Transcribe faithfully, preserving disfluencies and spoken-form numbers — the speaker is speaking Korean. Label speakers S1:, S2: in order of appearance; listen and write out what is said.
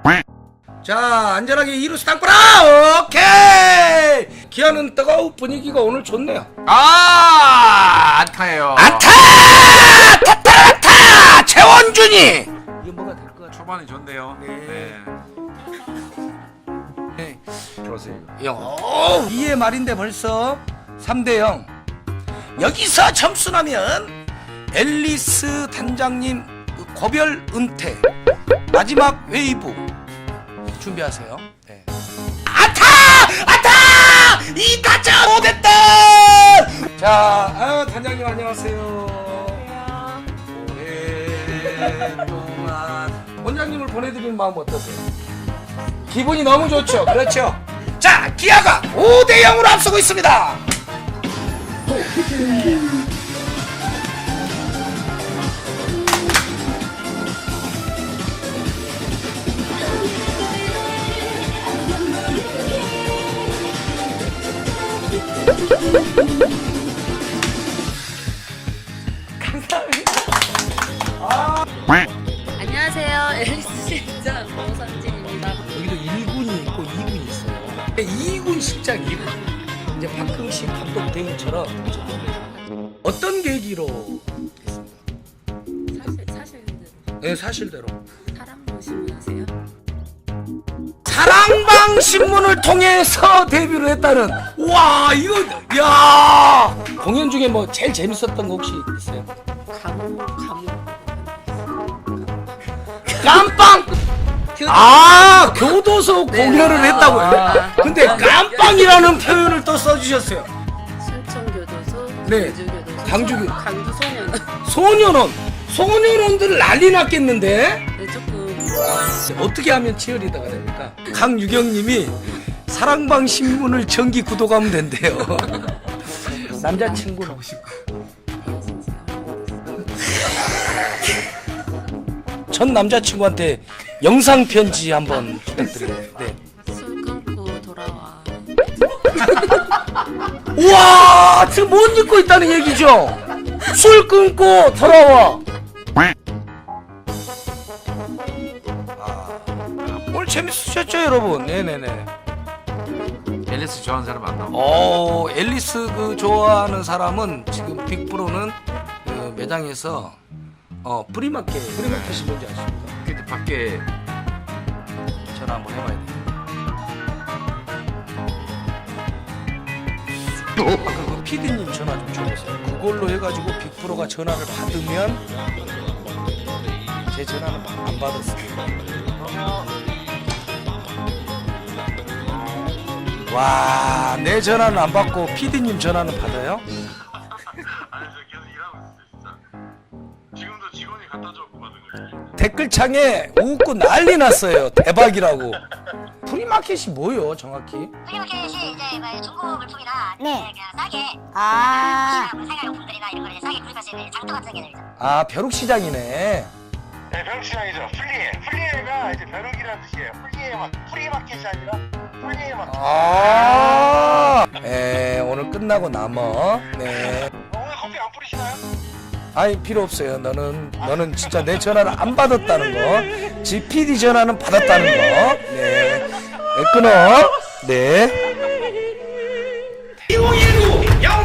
S1: 자, 안전하게 이루스 땅보라. 오케이. 기아는 뜨거운 분위기가 오늘 좋네요.
S2: 아, 안타예요.
S1: 안타! 타타 안타! 최원준이. 이거 뭐가 될 것 같아?
S2: 초반이 좋네요.
S1: 네.
S2: 네.
S1: 네.
S2: 그러세요.
S1: 요. 이회 말인데 벌써 삼 대 영. 여기서 점수 나면 앨리스 단장님 고별 은퇴. 마지막 웨이브 준비하세요. 네. 안타! 안타! 이 타점 못했다! 자, 아, 단장님 안녕하세요. 오랫동안 원장님을 보내드리는 마음 어떠세요? 기분이 너무 좋죠? 그렇죠? 자, 기아가 오 대 영으로 앞서고 있습니다. 감사합니다. 아.
S3: 안녕하세요. 앨리스 실장 오선진입니다.
S1: 여기도 일 군이 있고 이 군이 있어요. 이 군 실장 이 군. 이제 박흥식 감독 대행처럼 어떤 계기로 됐습니까?
S3: 사실 사실은
S1: 네, 사실대로.
S3: 사랑도 신문하세요?
S1: 사랑방 신문을 통해서 데뷔를 했다는. 와, 이거 야 공연 중에 뭐 제일 재밌었던 거 혹시 있어요?
S3: 감옥 감옥.
S1: 깜빵. 아, 교도소 공연을 했다고요?
S3: 아.
S1: 근데 깜빵이라는 표현을 또 써주셨어요.
S3: 순천교도소,
S1: 네.
S3: 광주교도소,
S1: 광주교-
S3: 광주 소년.
S1: 소년원, 소년원들 난리 났겠는데?
S3: 네, 조금
S1: 어떻게 하면 치어리더가 됩니까? 강유경님이 사랑방 신문을 정기 구독하면 된대요. 남자친구는 전 남자친구한테 영상 편지 한번 부탁드려요. 네.
S3: 술 끊고 돌아와.
S1: 우와, 지금 못 잊고 있다는 얘기죠? 술 끊고 돌아와. 아, 오늘 재밌으셨죠, 여러분? 네네네.
S2: 앨리스 좋아하는 사람 안 나와.
S1: 어, 앨리스 그 좋아하는 사람은 지금 빅브로는 그 매장에서 어 프리마켓, 프리마켓이 뭔지 아십니까?
S2: 근데 밖에
S1: 전화 한번 해봐야 돼. 아까 그 피디님 전화 좀 줘보세요. 그걸로 해가지고 빅브로가 전화를 받으면 제 전화는 안 받았어요. 와, 내 전화는 안 받고 피디님 전화는 받아요?
S4: 아니 저 계속 일하고 있어요 진짜. 지금도 직원이 갖다 줘갖고 받은 거예요.
S1: 댓글창에 웃고 난리 났어요. 대박이라고. 프리마켓이 뭐예요, 정확히?
S5: 프리마켓이 이제 뭐 중고 물품이나
S6: 네.
S5: 그냥 싸게
S6: 아,
S5: 뭐 생활용품들이나 이런 걸 이제 싸게 구입할 수 있는 장터 같은 게 되죠.
S1: 아, 벼룩시장이네.
S4: 네 벼룩시장이죠. 플리에. 플리에가 이제 벼룩이라는 뜻이에요. 플리에 막 프리마켓이 아니라 플리에 마켓.
S1: 아, 네, 오늘 끝나고 남어. 네.
S4: 어, 오늘 커피 안 뿌리시나요?
S1: 아이, 필요 없어요. 너는, 너는 진짜 내 전화를 안 받았다는 거. 지 피디 전화는 받았다는 거. 네. 네, 끊어. 네. 이공일구 영